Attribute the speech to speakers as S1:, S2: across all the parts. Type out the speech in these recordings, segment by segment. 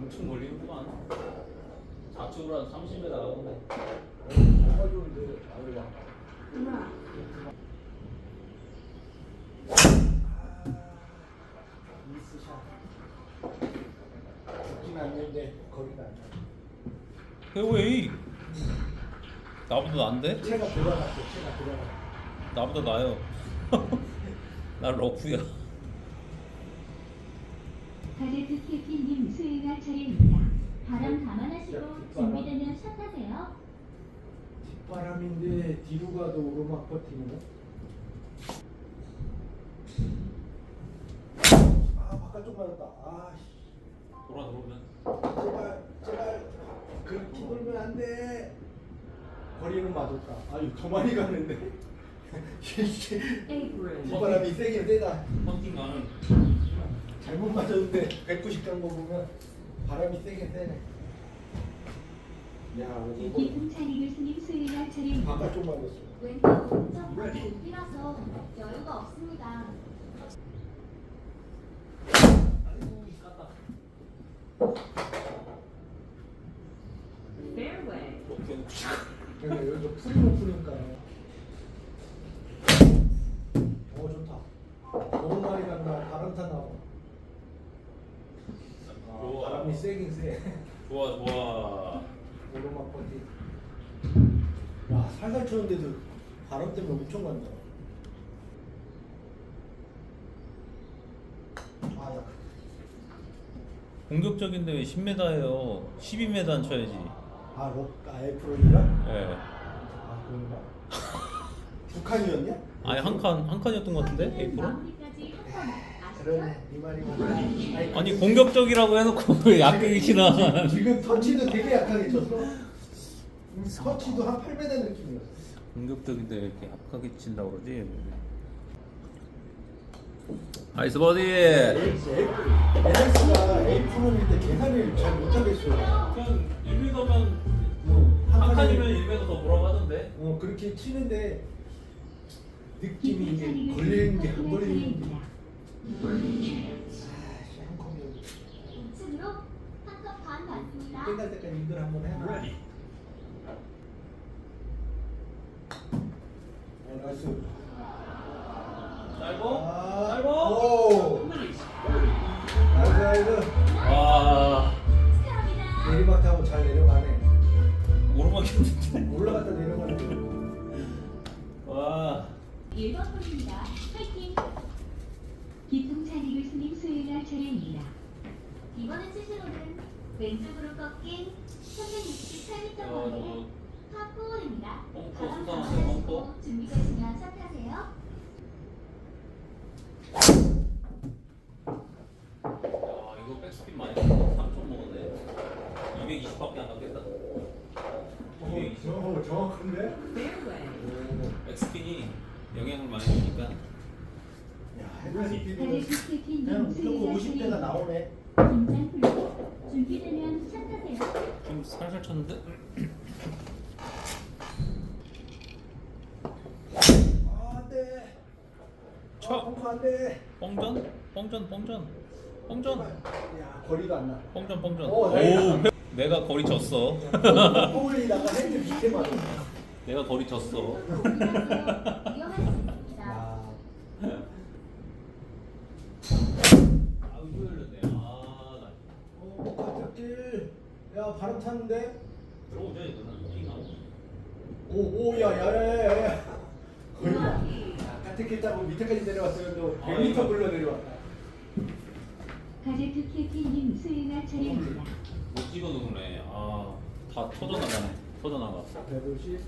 S1: 엄청 멀리구만. 좌측으로 한 30m 가던데.
S2: 정말 좋은데 아래 봐. 미스샷. 죽진 않는데 거리가 안 나.
S1: 페어웨이. 나보다 나은데?
S2: 채가 들어갔어. 채가 들어갔어.
S1: 나보다 나요. 나 러프야.
S3: 가제트 캐피님 수행할 차례입니다. 바람 감안하시고 준비되면 샷 하세요.
S2: 뒷바람인데 뒤로 가도 오르막 버티는. 아 바깥쪽 맞았다. 아씨.
S1: 돌아오면.
S2: 제발 그렇게 돌면 안 돼. 거리는 맞았다. 아유 더 많이 갔는데. 뒷바람이 세긴 세다.
S1: 펀팅 가는.
S2: 잘못 맞았는데 190 간 거 보면 바람이 세긴 세네. 야 이거
S3: 기승찬이 교수님 수행할 차례입니다.
S2: 바깥쪽 맞았어.
S3: 왼쪽 오른쪽 높이라서 여유가 없습니다.
S1: 아이고 깠다.
S3: Fairway.
S2: 그러니까 여기서 풀이 높으니까. 좋다. 너무 많이 간다. 바람 타나.
S1: 좋아.
S2: 바람이 세긴 세.
S1: 좋아 좋아.
S2: 오르막 버티. 야 살살 쳤는데도 바람 때문에 엄청 간다. 아 야.
S1: 공격적인데 왜 10m예요? 12m는 쳐야지.
S2: F로인가?
S1: 예.
S2: 아 그런가? 북한이었냐?
S1: 아니 한 칸이었던 것 같은데? 에이프로?
S3: 마무리까지 한번 아시죠?
S2: 그러네 이 말이구나.
S1: 아니 공격적이라고 해놓고 왜 약하게 치나?
S2: 지금 터치도 되게 약하게 쳤어. 터치도 한 8m 느낌이었어.
S1: 공격적인데 왜 이렇게 약하게 친다고 그러지? 나이스 버디.
S2: LX가 A프로일 때 계산을 잘 못하겠어요.
S1: 그냥 1m면
S2: 한
S1: 칸이면 1m 더 뭐라고 하던데?
S2: 그렇게 치는데 느낌이 이게 걸리는 게 안 걸리는 게. 아씨 한 컵이
S3: 우측으로 한컵 반 받습니다.
S2: 끝날 때까지 이걸 한번 해놔. 나이스.
S1: 짧고?
S2: 오. 나이스.
S1: 와
S3: 축하합니다.
S2: 내리막 타고 잘 내려가네.
S1: 오르막이었는데.
S2: 올라갔다 내려가네.
S1: 와
S3: 1번 홀입니다. 파이팅! 기승찬이 교수님 수행할 차례입니다. 이번에 치시로는 왼쪽으로 꺾인 368m 거리의 파4홀입니다. 바람 감안하시고 준비되시면 샷하세요.
S1: 야, 이거 백스핀 많이 3초 먹었네. 220밖에 안 갔겠다. 220.
S2: 정확한데?
S1: 백스핀이 영향을 많이 주니까.
S2: 야, 헤드스피드는
S3: 가제트 캐피님
S2: 그냥 무조건
S3: 수행할
S2: 50대가
S3: 차례입니다.
S2: 나오네.
S3: 긴장 풀고 준비되면 샷하세요.
S1: 좀 살살 쳤는데?
S2: 안돼.
S1: 쳐.
S2: 펑크 안돼.
S1: 뻥전.
S2: 야 거리도 안 나.
S1: 뻥전.
S2: 오, 다행이다.
S1: 내가 거리 졌어.
S2: 폴리다가 핸드 밑에 맞아.
S1: 내가 거리 졌어.
S3: 위험할 수 있습니다.
S2: 야.
S1: 아우 이거 열렸네. 아, 나
S2: 바깥길. 야 바람 탔는데.
S1: 들어오자 이거는. 띵 하고.
S2: 오야야야야야. 거리다. 바깥길 타고 밑에까지 내려왔으면 또 100m 굴러 내려왔다.
S3: 가제트 캐피님 수행할 차례입니다.
S1: 못 찍어 누르네. 아, 다 터져나가네. 터져나가.
S2: 150,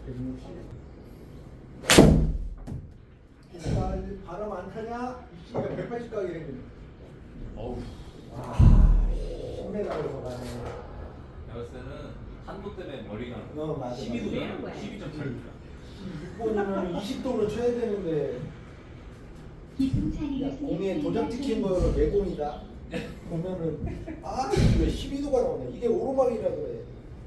S2: 160. 바람 안 타냐? 이씨가 180 가게 생겼네.
S1: 어우.
S2: 와, 10m로 가네.
S1: 내가 봤을 때는 한도 때문에 멀리 가는 거야.
S2: 맞아.
S1: 12도잖아. 12.8도야.
S2: 6번이면 20도로 쳐야 되는데.
S3: 기승찬이
S2: 야,
S3: 교수님
S2: 공에 도장
S3: 수행할
S2: 찍힌 거
S3: 차례입니다.
S2: 내공이다. 보면은 왜 12도가 나오네. 이게 오르막이라 그래.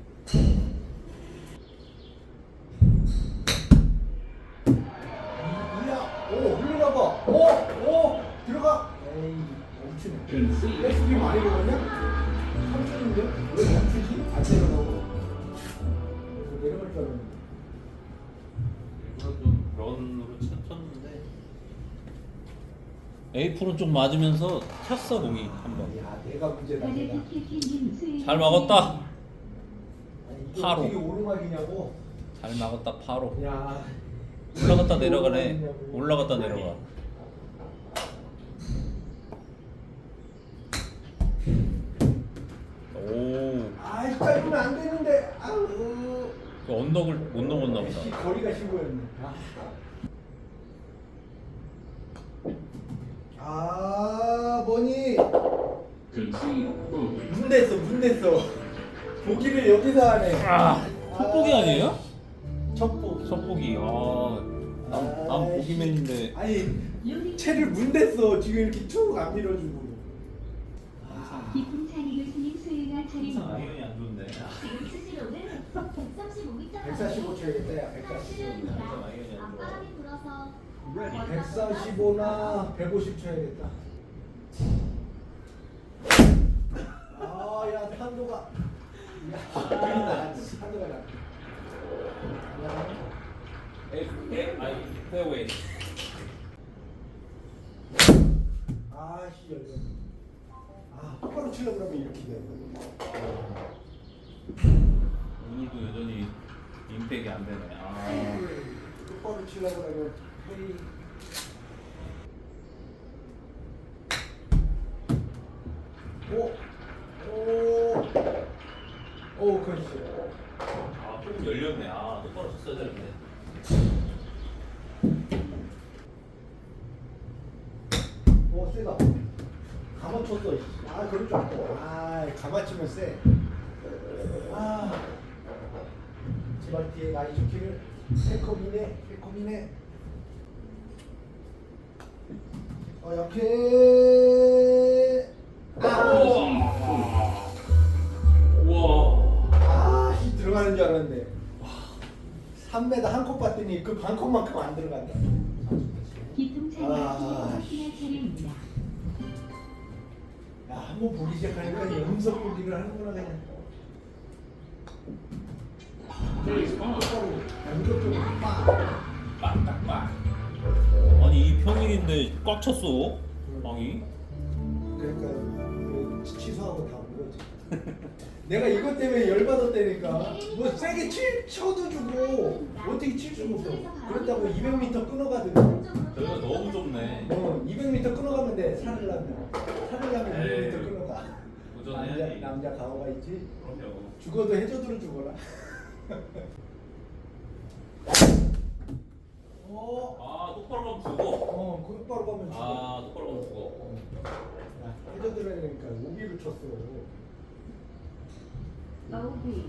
S2: 이야, 오 흘러나 봐. 오 들어가. 에이 멈추네. 백스핀 많이 먹었냐? 3초는 멈추는데? 왜 멈추지? 안 내려가고. 그래서 내려갈 줄 알았는데.
S1: 일부러 좀 런으로 쳤는데 에이프론 좀 맞으면서 쳤어 공이 한번.
S2: 야, 내가 문제다. 내가.
S3: 바제키키님 수요일
S1: 잘 막았다.
S2: 아니, 이게
S1: 바로.
S2: 어떻게 오르막이냐고.
S1: 잘 막았다 바로.
S2: 야.
S1: 올라갔다 내려가네.
S2: 오르막이냐고.
S1: 올라갔다 내려가. 오.
S2: 아, 짧으면 안 되는데. 아우.
S1: 그 언덕을 못 넘었나 보다.
S2: 거리가 신고였네. 뭐니? 문 댔어. 보기를 여기서 하네.
S1: 첩보기 아니에요?
S2: 첩보.
S1: 첩보기. 난 보기맨인데.
S2: 아니, 채를 문 댔어. 지금 이렇게 쭉 안 밀어주고.
S3: 깊은 찬이 교수님 수요일날 차림입니다.
S1: 아이언이 안 좋네.
S3: 지금 스시로는 135m
S2: 145 쳐야겠다, 야, 145.
S3: 앞바람이 불어서
S2: 145나 150 쳐야겠다. 야, 탄도가. 야, 탄도가 나.
S1: 페어웨이.
S2: 씨, 열려. 똑바로 치려고 그러면 이렇게 돼.
S1: 오늘도 여전히 임팩이 안 되네.
S2: 똑바로 치려고 그러면 헤이. 그렇지.
S1: 조금 열렸네. 똑바로 쳤어야 되는데.
S2: 세다. 가만 쳤어. 그럴 줄 알고. 가만 치면 세. 제발 뒤에 많이 좋기를. 새콤이네. 약해.
S1: 우와.
S2: 들어가는 줄 알았는데. 3m 한 컵 봤더니 그 반 컵만큼 안 들어간다.
S3: 깊은 찬이 교수님 차림입니다.
S2: 한번 보기 시작하니까 음성 보기를 하는구나 그냥.
S1: 빡. 아니 이 평일인데 꽉 쳤어. 빵이.
S2: 그러니까 취소하고 다 온 거지. 내가 이것 때문에 열받았다니까. 뭐 세게 쳐도 주고 어떻게 칠 수가 없어. 그렇다고 200m 끊어가든.
S1: 저희가 너무 좁네.
S2: 200m 끊어가면 돼. 살을 나면 200m 끊어가.
S1: 도전해야지.
S2: 남자 가오가 있지.
S1: 그럼요.
S2: 죽어도 해저드로 죽어라.
S1: 똑바로 가면 죽어.
S2: 똑바로 가면 죽어.
S1: 똑바로 가면 죽어.
S2: 해저드로 해야 되니까 오비를 쳤어.
S3: 어우비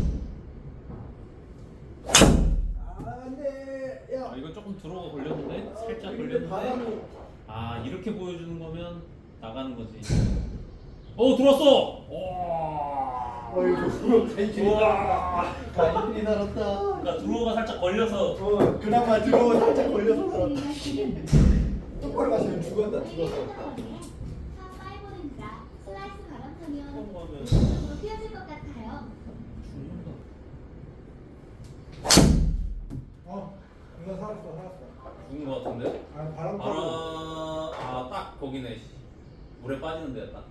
S2: 안돼. 야.
S1: 이건 조금 들어가 걸렸는데 살짝
S2: 근데 바람이.
S1: 걸렸는데. 이렇게 보여주는 거면 나가는 거지. 들어왔어.
S2: 어이구, 가이들이 살았다. 가이들이 살았다.
S1: 그러니까 들어가 살짝 걸려서.
S2: 그나마 들어가 살짝 걸려서 살았다.
S3: 수요일날 차림입니다.
S2: 똑바로 갔으면 죽었어.
S3: 파이볼입니다. 슬라이스 바람타면
S1: 가면
S3: 오른쪽으로 휘어질 것 같아요.
S1: 죽는다.
S2: 이거 살았어.
S1: 죽은 거 같은데?
S2: 바람 타고.
S1: 딱 거기네. 물에 빠지는 데야 딱.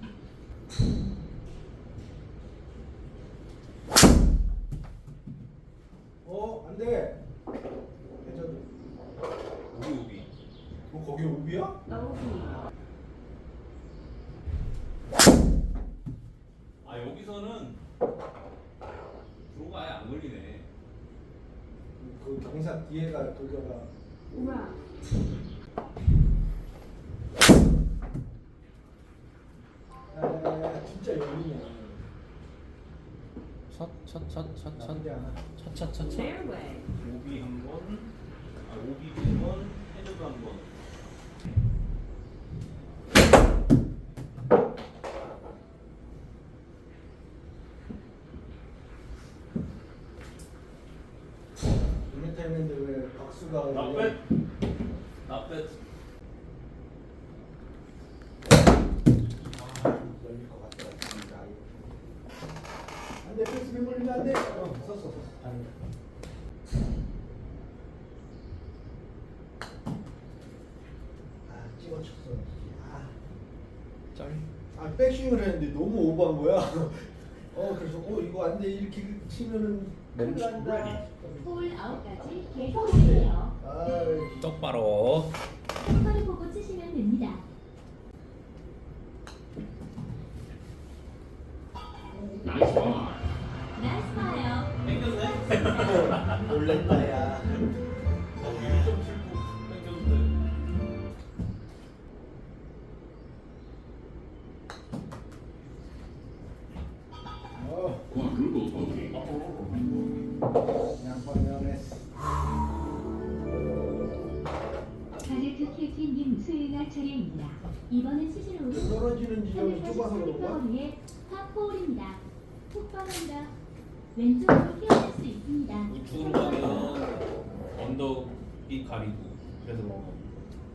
S2: 안돼. 해저드.
S1: 우비.
S2: 거기 오비야?
S3: 어우비
S1: 여기서는 들어가 아예 안 걸리네.
S2: 그 경사 뒤에가 돌려가.
S3: 우와
S2: 진짜 열리네. 나쁘지 않아.
S1: 차차차차. 오비 한 번, 오비 두 번, 해저드 한 번.
S2: 이메타 했는데 왜 박수가
S1: 나빼.
S2: 열릴 것 같다. 진짜. 내 백스핀 걸리면 안 돼. 섰어. 다행이다. 찍어쳤어. 백스윙을 했는데 너무 오버한 거야. 그래서 이거 안 돼. 이렇게 치면은 큰일 난다.
S3: 홀 9가지 계속해요.
S1: 똑바로.
S3: 똑바로 보고 치시면 됩니다. 나이스 파요.
S1: 땡겼네.
S2: 놀랬다 야.
S1: 좀 슬프. 땡겼는데.
S2: 양방면했어.
S3: 가제트 캡틴님 수요일날 차례입니다. 이번엔 치실 홀은
S2: 떨어지는 지점이 좁아서 그런가?
S3: 거리의 파4홀입니다. 톡방한다. 왼쪽으로 피어날 수 있습니다.
S1: 우측으로 가면 언덕이 가리고 그래서 그런 겁니다.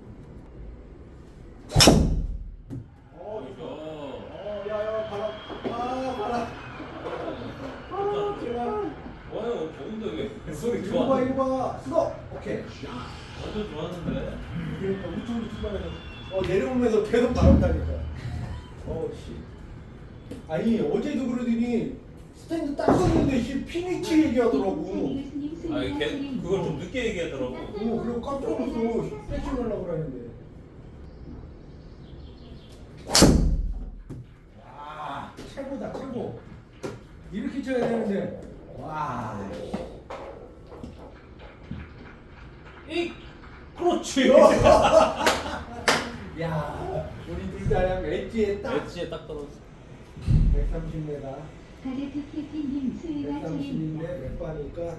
S2: 야야 바람. 제발.
S1: 좋아요. 좋은데 왜 소리
S2: 이거
S1: 좋아?
S2: 봐 이거 봐. 수고. 오케이.
S1: 완전 좋았는데.
S2: 그러니까 우측으로 출발해서 내려오면서 계속 바람 타니까. 씨. 아니 어제도 그러더니 스탠드 딱 섰는데 피니치 얘기하더라고.
S1: 아니 그걸 좀 늦게 얘기하더라고.
S2: 그리고 깜짝 놀랐어. 패칭 하려고 그러는데. 와 최고다 최고. 이렇게 쳐야 되는데. 와.
S1: 그렇지.
S2: 야 우리 둘 다 엣지에 딱.
S1: 엣지에 딱 떨어져.
S2: 130m.
S3: 가제트 캡틴님 수요일날 차례입니다.
S2: 130인데 몇 바니까.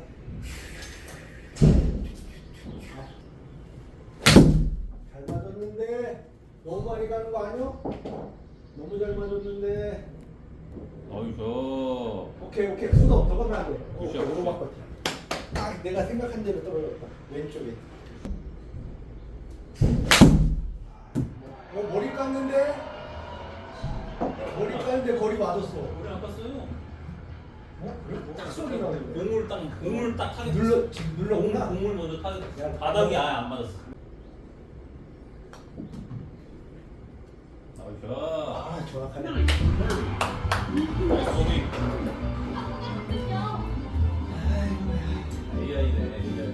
S2: 잘 맞았는데 너무 많이 가는 거 아니야? 너무 잘 맞았는데.
S1: 어이구.
S2: 오케이 수도 더 가면 안 돼.
S1: 그쵸.
S2: 오르막 버티. 딱 내가 생각한 대로 떨어졌다. 왼쪽에. 머리 깎는데? 머리 깎는데 거리 맞았어.
S1: 우리 안 봤어요.
S2: 그래? 딱 소리 나는데.
S1: 공을 딱 타게
S2: 지금 눌렀구나.
S1: 공을 먼저 타게
S2: 야,
S1: 바닥이 아예 안 맞았어. 어이구.
S2: 정확하네.
S1: 소리.
S3: 아프군요.
S1: AI네 AI.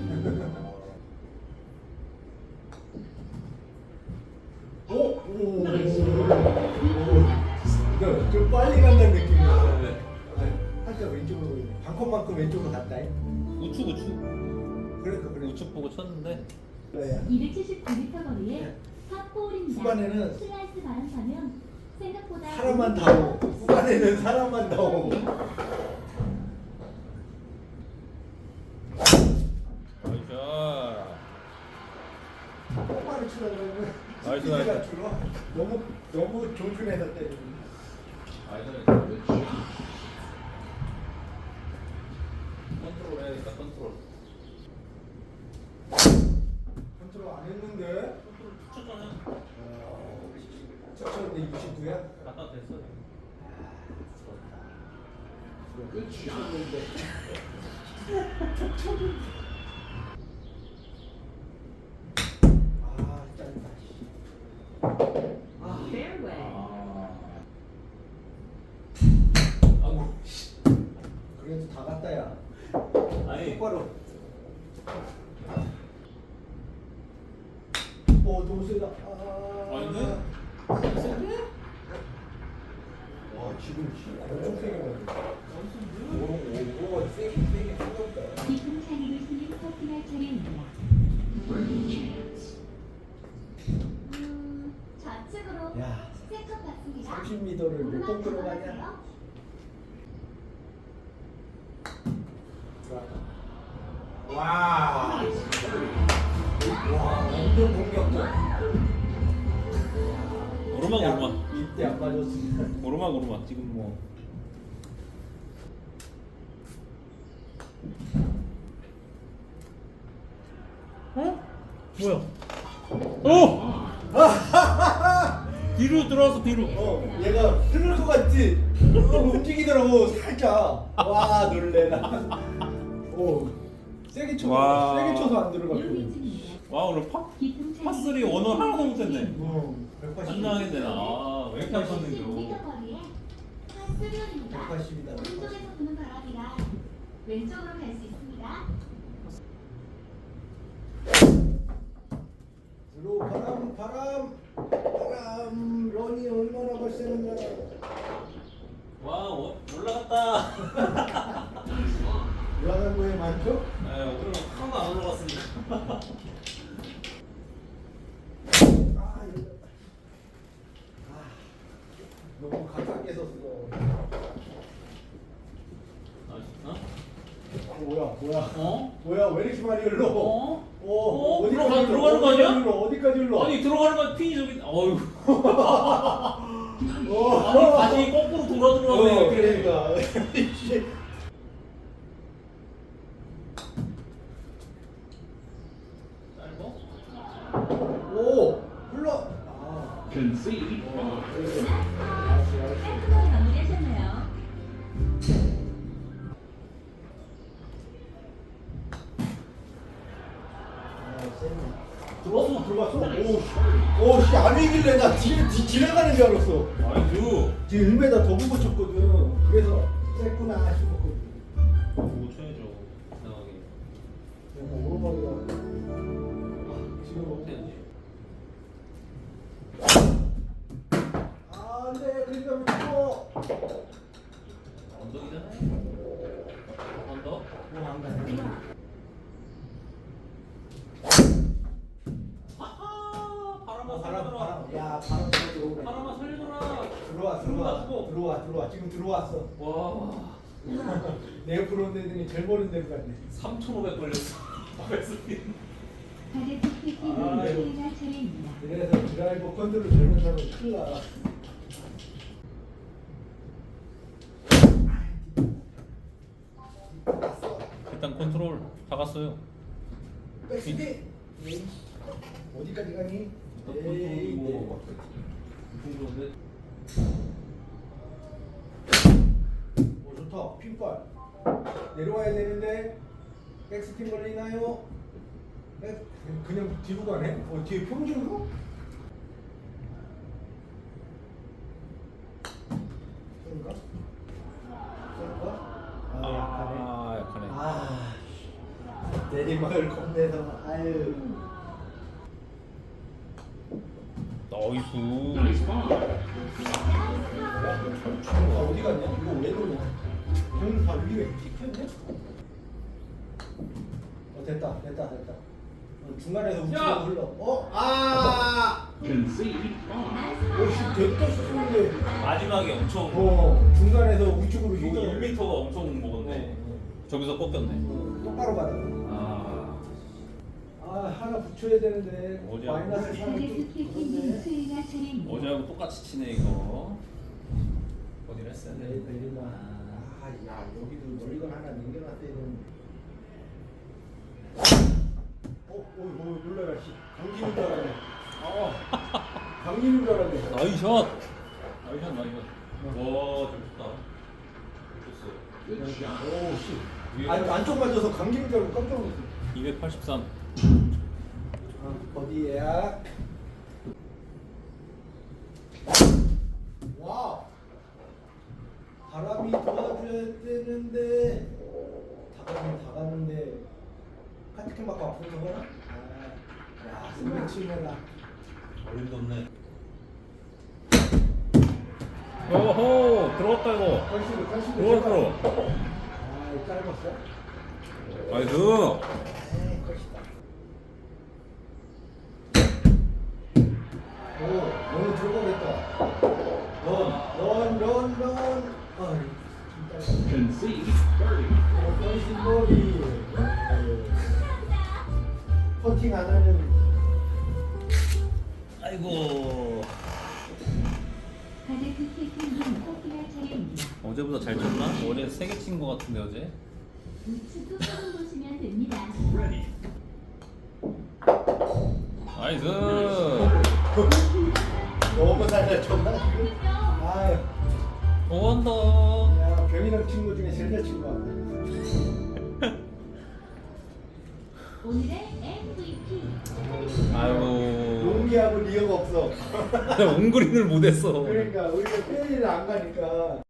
S2: 오. 좀 빨리 간다는 느낌이야. 살짝 왼쪽으로 보이네. 반컵만큼 왼쪽으로 갔다.
S1: 우측.
S2: 그래.
S1: 우측 보고 쳤는데.
S2: 그래야.
S3: 279m 거리의 파4홀입니다.
S2: 후반에는
S3: 슬라이스 바람 타면 생각보다
S2: 사람만 다 오고. 후반에는 사람만 다 오고.
S1: 어이구.
S2: 똑바로 치다 그러면
S1: 나이스,
S2: 스피드가
S1: 나이스.
S2: 줄어. 너무 조준해서 때리는.
S1: 컨트롤 해야겠다. 컨트롤.
S2: 컨트롤 안 했는데.
S1: 쳤잖아요.
S2: 쳤는데 69야?
S1: 갖다 됐어.
S2: 쳤는데. 짧다.
S1: 아이고.
S2: 그래도 다 갔다 야.
S1: 아니.
S2: 똑바로. 너무 세다.
S1: 아닌데?
S2: 와 지금 엄청 세게 맞네. 오버가 세게 생겼다.
S3: 깊은 찬이를 스님 커팅할 차례입니다. 좌측으로
S2: 야.
S3: 세컨 받습니다.
S2: 30m를 몇 번 들어가냐? 와. 완전 공격적.
S1: 오르막.
S2: 이때 안 맞았으면.
S1: 오르막. 지금 뭐. 뭐야? 오! 뒤로 들어와서 뒤로.
S2: 얘가 흐를 것 같지? 움직이더라고 살짝. 와 놀래라. 오 세게 쳐서
S1: 와.
S2: 세게 쳐서 안 들어가고.
S1: 와 오늘 파3 원어 하나도 못했네.
S2: 180.
S1: 끝나겠네 나. 왜 이렇게 안 쳤는겨.
S2: 180이다.
S3: 오른쪽에서 부는 바람이라 왼쪽으로 갈 수 있습니다.
S2: 들어 바람 런이 얼마나 발생했나.
S1: 와 올라갔다.
S2: 올라간 거에 많죠?
S1: 네, 오늘은 하나도 안 올라갔습니다.
S2: 너무 가깝게 섰어. 뭐야? 뭐야? 왜 이렇게 많이 흘러?
S1: 들어가는 거 아니야?
S2: 어디까지 흘러?
S1: 아니 들어가는 건 핀이 저기. 어휴.
S2: 어.
S1: 아니 다시 거꾸로 돌아 들어가네.
S2: 그러니까.
S1: 짧어?
S2: 오 흘러.
S4: Concede.
S3: 깔끔하게 마무리하셨네요.
S2: 들어갔어. 오씨 안 이길래 나 지나가는 줄 알았어.
S1: 아이고.
S2: 지금 1m 더 보고 쳤거든. 그래서 셌구나 싶었거든.
S1: 보고 쳐야죠. 이상하게.
S2: 오르막이다. 지금
S1: 해야지.
S2: 안돼 그러니까 왜 죽어?
S1: 언덕이잖아요. 언덕?
S2: 안 가네.
S1: 아하! 바람아
S2: 야 바람 들어오네.
S1: 바람아 살려줘라.
S2: 들어와. 지금 들어왔어.
S1: 와.
S2: 내 옆으로 온 애들이 제일 모르는 데로 갔네.
S1: 3,500 걸렸어.
S3: 가드 티켓팅 수혜가 차례입니다.
S2: 그래서 드라이버 컨트롤 젊은 사람은 큰일 나.
S1: 일단 컨트롤 다 갔어요.
S2: 백스피. 어디까지 가니?
S1: 컨트롤이 뭐 궁금한데.
S2: 오 좋다. 핀발. 내려와야 되는데 백스핀 걸리나요? 그냥 뒤로 가네? 뒤에 평준으로? 그런가?
S1: 약하네.
S2: 내리막을 겁내서 아유.
S1: 나이스.
S4: Nice ball.
S2: 어디 갔냐? 이거 왜 그러냐? 공다 위에 찍혔네? 됐다. 중간에서 우측으로 흘러.
S4: Concede. Ball.
S2: 오씨 됐다 싶은데.
S1: 마지막에 엄청
S2: 중간에서 우측으로
S1: 이거
S2: 휘어.
S1: 1m가 엄청 먹었네. 저기서 꺾였네.
S2: 똑바로 가다. 하나 붙여야 되는데
S1: 어디
S2: 마이너스
S3: 가드
S2: 3을
S3: 티켓팅 수혜가 차례입니다.
S1: 어제하고 똑같이 치네 이거. 어디를 했어야 돼?
S2: 내린다. 야 여기도 멀리건 하나 남겨놨어야 되는데. 놀라라 씨. 강진인 줄 알았네. 강진인 줄 알았네.
S1: 나이샷. 와 좋다. 좋았어.
S4: Good shot.
S2: 오씨. 안쪽 맞아서 강진인 줄 알고 깜짝 놀랐어.
S1: 283.
S2: 어디야? 와. 바람이 도와줘야 되는데 다 갔는데 카트캔 맞고 아픈 거구나? 야 승리 치매라.
S1: 어림도 없네. 오호 들어갔다 이거.
S2: 컨시드
S1: 들어갔어.
S2: 짧았어?
S1: 나이스.
S2: 컷이다. 오 너무 들어가겠다. 런.
S4: Concede. Birdie.
S2: 컨시버리. 퍼팅 안 하는.
S1: 아이고.
S3: 가드 티켓팅 코피할 차례입니다.
S1: 어제보다 잘 쳤나? 어제 3개 친 거 같은데 어제.
S3: 우측 끝으로 보시면 됩니다.
S4: Ready.
S1: 나이스.
S2: 너무 살려줬나 지금? 아유,
S5: 원더.
S2: 야 병이랑 친구 중에 제일 잘 친구 같아.
S3: 오늘의 MVP
S5: 아이고.
S2: 용기하고 리어가 없어.
S5: 옹그린을 못했어.
S2: 그러니까 우리가 페리를 안 가니까